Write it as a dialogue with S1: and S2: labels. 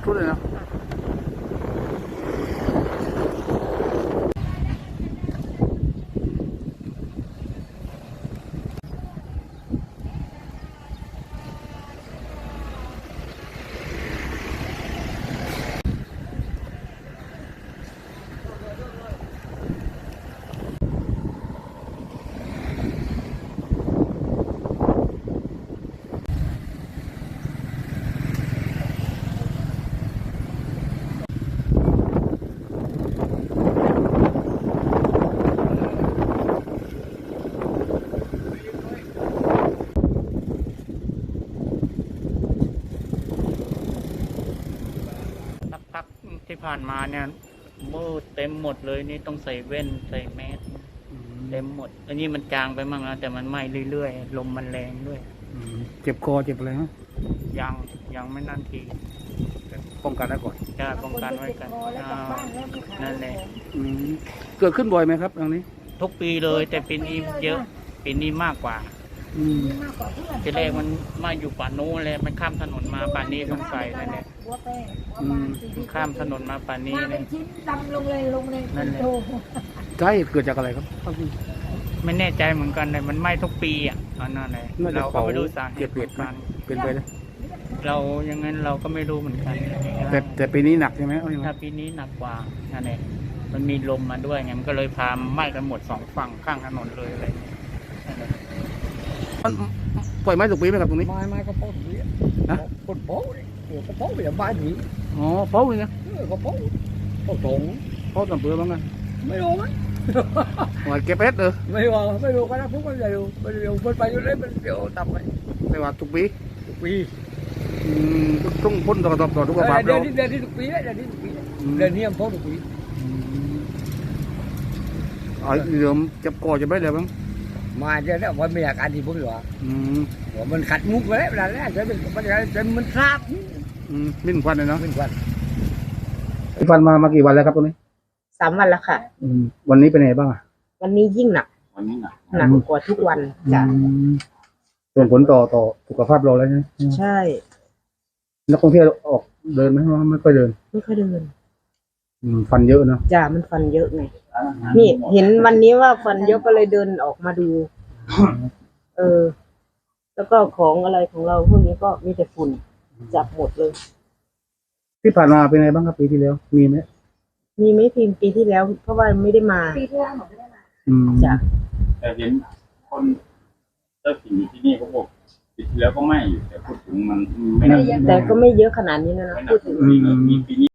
S1: สุดเลยนะ
S2: พักที่ผ่านมาเนี่ยมืดเต็มหมดเลยนี่ต้องใส่แว่นใส่แมสเต็มหมดอันนี้มันจางไปมั่งแล้วแต่มันไหม้เรื่อยๆลมมันแรงด้วย
S1: เจ็บคอเจ็บอะไรฮะ
S2: ยังไม่นั่นที
S1: ป้องกันได้ก่อน
S2: จะป้องกันไว้กันนั่นแหละ
S1: เกิดขึ้นบ่อยไหมครับตรงนี้
S2: ทุกปีเลยแต่ปีนี้เยอะปีนี้มากกว่าทีแรกมันมาอยู่ป่านู้นเลยมันข้ามถนนมาป่านี้ต้องใส่นั่นแหละข้ามถนนมาป่านี้เลยนั่นแหละ
S1: ใช่เกิดจากอะไรครับ
S2: ไม่แน่ใจเหมือนกันเลยมันไหม้ทุกปีอ่ะนั่นแหละเราก็ไม่รู้สาเหตุ
S1: เปลี่ยนเป็นไปเลย
S2: เราอย่างนั้นเราก็ไม่รู้เหมือนกัน
S1: แต่ปีนี้หนักใช่ไหมเอาอย่าง
S2: ถ้า
S1: นั้น
S2: ปีนี้หนักกว่านั่นแหละมันมีลมมาด้วยไงมันก็เลยพาไหม้กันหมดสองฝั่งข้างถนนเลยอะไรอย่างเงี้ยนั่นแหละ
S1: มันปล่อยไม้ถูกปีไหมครับตรงนี้
S3: ไม้ก็โป๊ะดีนะคนโป๊ะเลยก็โป๊ะไปอย่างบ้านนี้
S1: อ๋อเป้าเลยนะ
S3: ก็โป๊ะโป๊ะตรง
S1: เป้าต่ำเปลือกบ้างไง
S3: ไม่รู้มั้ย
S1: หอยเก็บเพชรเลย
S3: ไม่รู้ก็นะพวกมันเร็วมันเร็วเพิ่นไปอยู่เลยมันเร็วต่ำไป
S1: ไม่ว่าทุกปี
S3: ทุกปี
S1: ต้องพ่นต่อทุกบาท
S3: เดือ
S1: เรา
S3: นที่ทุกปีเดือนที่ทุกปีเดือนนี้มันโป๊ะทุกปี
S1: เดี๋ยวจับคอจะไม่ได้บ้าง
S3: มาเดือนนี้วันมีอาการที่ผมอยู่ว่ามันขัดมุกไปแล้วเวลาแรกมันทราบ
S1: มิ้นควันเลยเนาะ
S3: เป็นวัน
S1: ควันมากี่วันแล้วครับตรงนี้
S4: 3 วันแล้วค่ะ
S1: วันนี้เป็นไงบ้างอ่ะ
S4: วันนี้ยิ่งหนักหนักกว่าทุกวันจ้ะ
S1: ส่วนผลต่อสุขภาพเราแล้วใช่ไหม
S4: ใช่
S1: นักท่องเที่ยวออกเดินไหมว่าไม่ค่อยเดิน
S4: ไม่ค่อยเดิน
S1: ฟันเยอะเนาะ
S4: จ้ะมันฟันเยอะไงนี่เห็นวันนี้ว่าฟันเยอะก็เลยเดินออกมาดู แล้วก็ของอะไรของเราพวกนี้ก็มีแต่ฝุ่นจับหมดเลย
S1: ที่ผ่านมาเป็นไงบ้างครับปีที่แล้วมีไหม
S4: มีไหม่พิมพ์ปีที่แล้ว เพราะว่าไม่ได้มาจ้ะ
S5: แต่เห็นคนเจ้าถิ่นอยู่ที่นี่เขาบอกปีที่แล้วก็ไม่อยู่แต่พูดถึงมันไม่น่า
S4: แต่ก็ไม่เยอะขนาดนี้นะพูดถึง
S5: มีปีนี้